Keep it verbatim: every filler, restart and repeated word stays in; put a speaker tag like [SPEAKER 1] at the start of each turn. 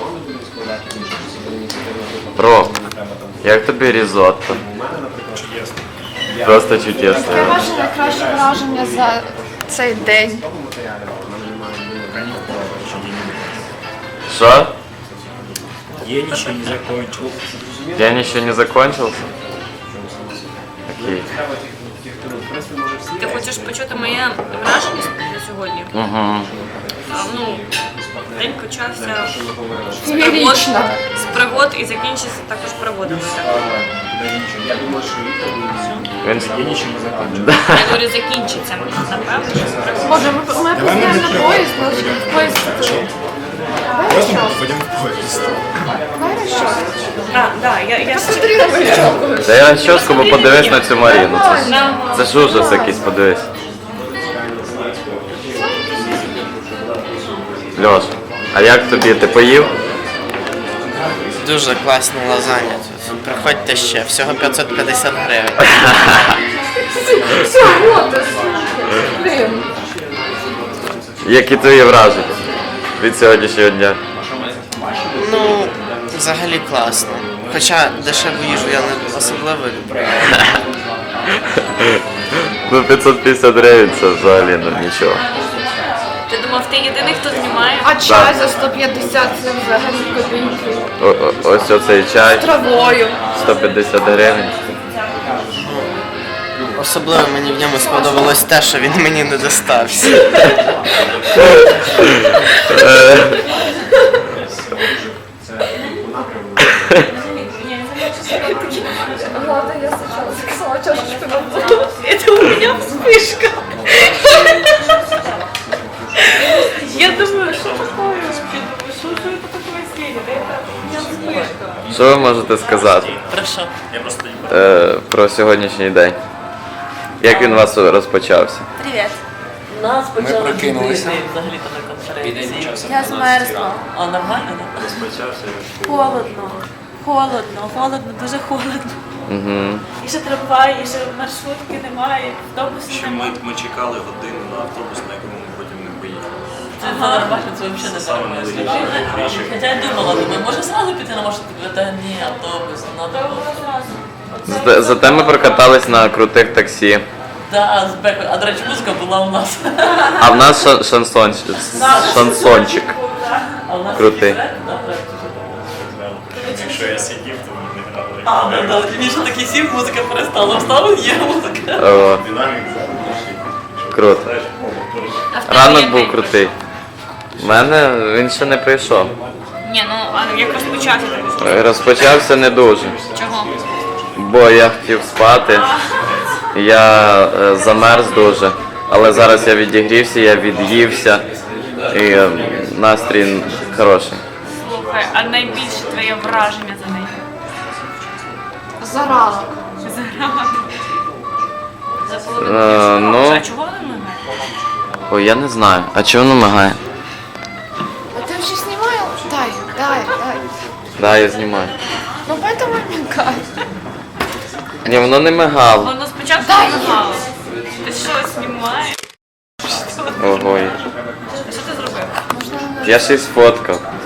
[SPEAKER 1] Ром, як тобі різотто? Просто чудесно.
[SPEAKER 2] Яке ваше найкраще враження за цей день?
[SPEAKER 1] Что?
[SPEAKER 3] День еще не закончился.
[SPEAKER 1] День еще не закончился? Окей.
[SPEAKER 4] Ти хочеш почути моє враження на сьогодні?
[SPEAKER 1] Угу.
[SPEAKER 4] А, ну, день почався з пригод,
[SPEAKER 2] Феєрично.
[SPEAKER 4] з пригод і закінчився також пригодами. Так?
[SPEAKER 1] Він...
[SPEAKER 3] День еще не закончился.
[SPEAKER 4] Я говорю, закінчиться, напевно, що з пригод.
[SPEAKER 2] Боже, ми, ми опоздаємо на поїзд, ми в поїзд. Давай
[SPEAKER 3] Просто
[SPEAKER 2] расчес.
[SPEAKER 3] пойдем в поезд.
[SPEAKER 2] Давай расчес.
[SPEAKER 4] А, да, я, я
[SPEAKER 2] Посмотри на мою челку.
[SPEAKER 1] Та я щоску, бо подивись на цю Маріну. Це, ж-
[SPEAKER 4] на
[SPEAKER 1] це ж ужас якийсь, подивись. Льош, а як тобі? Ти поїв?
[SPEAKER 5] Дуже класна лазанья тут. Приходьте ще, всього п'ятсот п'ятдесят гривень.
[SPEAKER 2] Все, вот, блин.
[SPEAKER 1] Які твої враження від сьогоднішнього дня?
[SPEAKER 5] Ну, взагалі класно. Хоча дешеву їжу я не особливо люблю.
[SPEAKER 1] Ну п'ятсот п'ятдесят гривень це взагалі ну, нічого.
[SPEAKER 4] Ти думав, ти єдиний, хто знімає?
[SPEAKER 2] А чай за сто п'ятдесят це взагалі копійки.
[SPEAKER 1] О, о, ось оцей чай,
[SPEAKER 2] Травою.
[SPEAKER 1] сто п'ятдесят гривень.
[SPEAKER 5] Особливо мені в ньому сподобалось те, що він мені не достався.
[SPEAKER 2] Ладно, я сначала заказала чашечку на воду.
[SPEAKER 4] Это у меня вспышка. Я думаю, что такое? Что же это такое сидит? Это у меня вспышка.
[SPEAKER 1] Що ви можете сказати
[SPEAKER 5] Прошу.
[SPEAKER 1] е, про сьогоднішній день? Як він у вас розпочався?
[SPEAKER 4] Привет.
[SPEAKER 6] Нас почали
[SPEAKER 3] прокинулися.
[SPEAKER 6] будити взагалі-то на конференції.
[SPEAKER 4] Я змерзла.
[SPEAKER 6] А нормально, так?
[SPEAKER 4] Холодно. Холодно, холодно, дуже холодно.
[SPEAKER 1] Угу.
[SPEAKER 4] І ще трамвай, і ще маршрутки немає, автобусу
[SPEAKER 7] Що ми,
[SPEAKER 4] немає.
[SPEAKER 7] ми чекали годину на автобус, на якому ми потім не поїхали.
[SPEAKER 6] Це нормально, це взагалі не нормально. Хоча я думала, думаю, може зразу піти на маршрутку, та ні, автобус, треба було.
[SPEAKER 1] Зате, зате ми прокатались на крутих таксі.
[SPEAKER 6] Да, з бекою. А до речі, музика була у нас.
[SPEAKER 1] А в нас ша- шансон, шансончик.
[SPEAKER 6] А у нас
[SPEAKER 1] Крутий.
[SPEAKER 6] є трек, да, трек, чи що?
[SPEAKER 7] Якщо я сидів, то ми не грали.
[SPEAKER 6] А, да, да, він ще такий сів, музика перестала. Встав, є музика.
[SPEAKER 1] О,
[SPEAKER 7] Динамік
[SPEAKER 1] круто.
[SPEAKER 4] А в тебе
[SPEAKER 1] Ранок
[SPEAKER 4] як
[SPEAKER 1] був
[SPEAKER 4] день
[SPEAKER 1] крутий. У мене він ще не прийшов.
[SPEAKER 4] Ні, ну а як розпочався так?
[SPEAKER 1] Розпочався не дуже,
[SPEAKER 4] Чого?
[SPEAKER 1] бо я хотів спати. Я е, замерз дуже, але зараз я відігрівся, я від'ївся і е, настрій хороший.
[SPEAKER 4] Слухай, а найбільше твоє враження за неї?
[SPEAKER 2] За ранок.
[SPEAKER 4] За половину
[SPEAKER 1] Е,
[SPEAKER 4] дня?
[SPEAKER 1] ну.
[SPEAKER 4] А чого вона мигає?
[SPEAKER 1] Ой, я не знаю. А чого воно мигає?
[SPEAKER 2] А ты вообще снимал? Дай, дай, дай.
[SPEAKER 1] Да, я знімаю.
[SPEAKER 2] Ну поэтому и мигай.
[SPEAKER 1] Ні, воно не мигало.
[SPEAKER 4] Воно спочатку
[SPEAKER 2] Дай
[SPEAKER 4] мигало. Ти що, знімаєш?
[SPEAKER 1] Ого.
[SPEAKER 4] Що ти зробив?
[SPEAKER 1] Я ще й сфоткав.